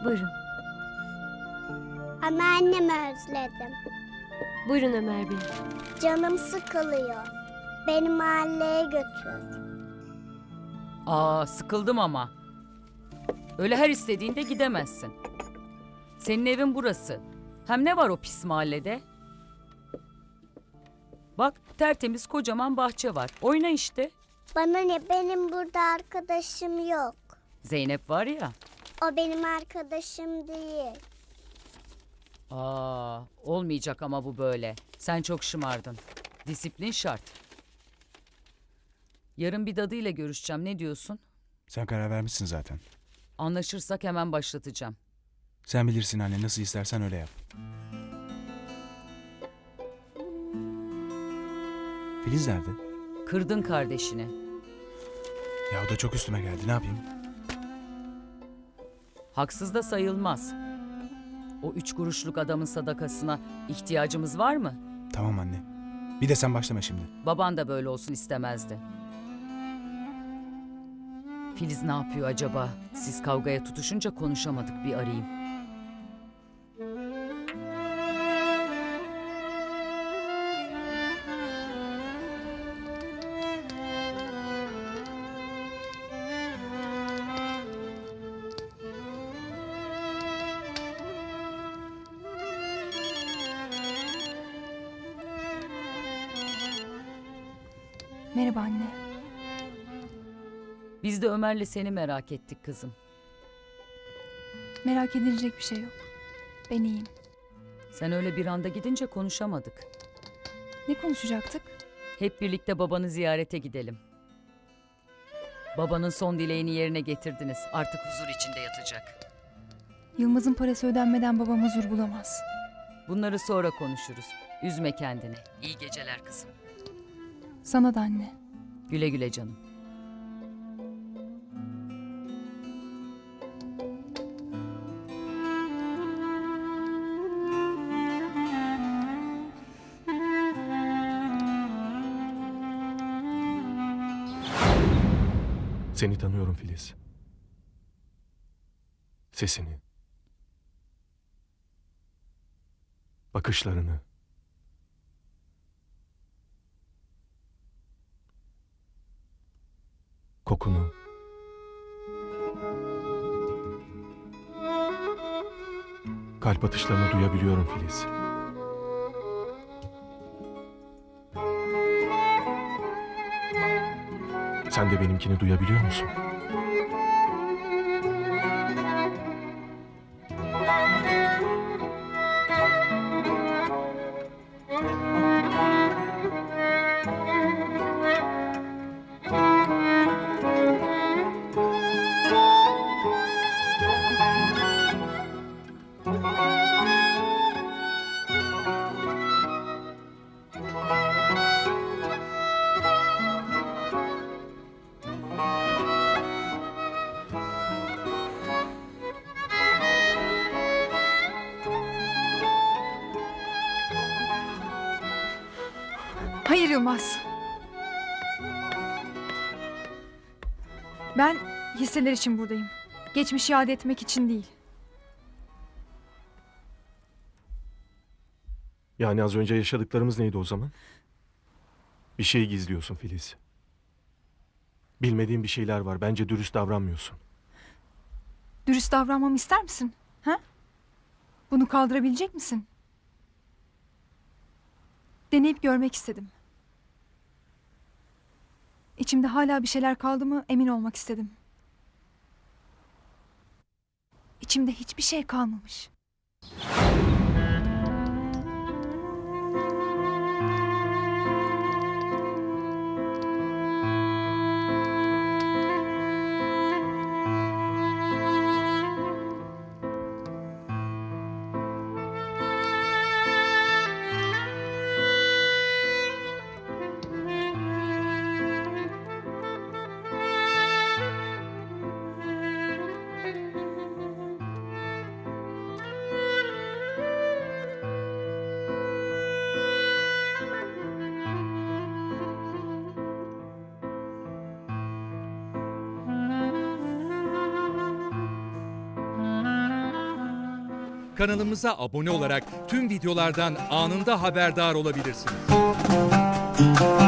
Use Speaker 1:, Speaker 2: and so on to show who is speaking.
Speaker 1: Buyurun.
Speaker 2: Anneannemi özledim.
Speaker 1: Buyurun Ömer Bey.
Speaker 2: Canım sıkılıyor. Beni mahalleye götür.
Speaker 3: Aa, sıkıldım ama. Öyle her istediğinde gidemezsin. Senin evin burası. Hem ne var o pis mahallede? Bak, tertemiz kocaman bahçe var. Oyna işte.
Speaker 2: Bana ne, benim burada arkadaşım yok.
Speaker 3: Zeynep var ya.
Speaker 2: O benim arkadaşım değil.
Speaker 3: Aa, olmayacak ama bu böyle. Sen çok şımardın. Disiplin şart. Yarın bir dadıyla görüşeceğim. Ne diyorsun?
Speaker 4: Sen karar vermişsin zaten.
Speaker 3: Anlaşırsak hemen başlatacağım.
Speaker 4: Sen bilirsin anne, nasıl istersen öyle yap. Filiz nerede?
Speaker 3: Kırdın kardeşini.
Speaker 4: Ya o da çok üstüme geldi, ne yapayım?
Speaker 3: Haksız da sayılmaz. O 3 kuruşluk adamın sadakasına ihtiyacımız var mı?
Speaker 4: Tamam anne. Bir de sen başlama şimdi.
Speaker 3: Baban da böyle olsun istemezdi. Filiz ne yapıyor acaba? Siz kavgaya tutuşunca konuşamadık, bir arayayım.
Speaker 1: Merhaba anne.
Speaker 3: Biz de Ömer'le seni merak ettik kızım.
Speaker 1: Merak edilecek bir şey yok. Ben iyiyim.
Speaker 3: Sen öyle bir anda gidince konuşamadık.
Speaker 1: Ne konuşacaktık?
Speaker 3: Hep birlikte babanı ziyarete gidelim. Babanın son dileğini yerine getirdiniz. Artık huzur içinde yatacak.
Speaker 1: Yılmaz'ın parası ödenmeden babam huzur bulamaz.
Speaker 3: Bunları sonra konuşuruz. Üzme kendini. İyi geceler kızım.
Speaker 1: Sana da anne.
Speaker 3: Güle güle canım.
Speaker 5: Seni tanıyorum Filiz. Sesini. Bakışlarını. Kokunu. Kalp atışlarını duyabiliyorum Filiz. Sen de benimkini duyabiliyor musun?
Speaker 1: Hayır Yılmaz. Ben hisseler için buradayım. Geçmişi iade etmek için değil.
Speaker 5: Yani az önce yaşadıklarımız neydi o zaman? Bir şey gizliyorsun Filiz. Bilmediğin bir şeyler var. Bence dürüst davranmıyorsun.
Speaker 1: Dürüst davranmamı ister misin? Ha? Bunu kaldırabilecek misin? Deneyip görmek istedim. İçimde hala bir şeyler kaldı mı emin olmak istedim. İçimde hiçbir şey kalmamış.
Speaker 6: Kanalımıza abone olarak tüm videolardan anında haberdar olabilirsiniz.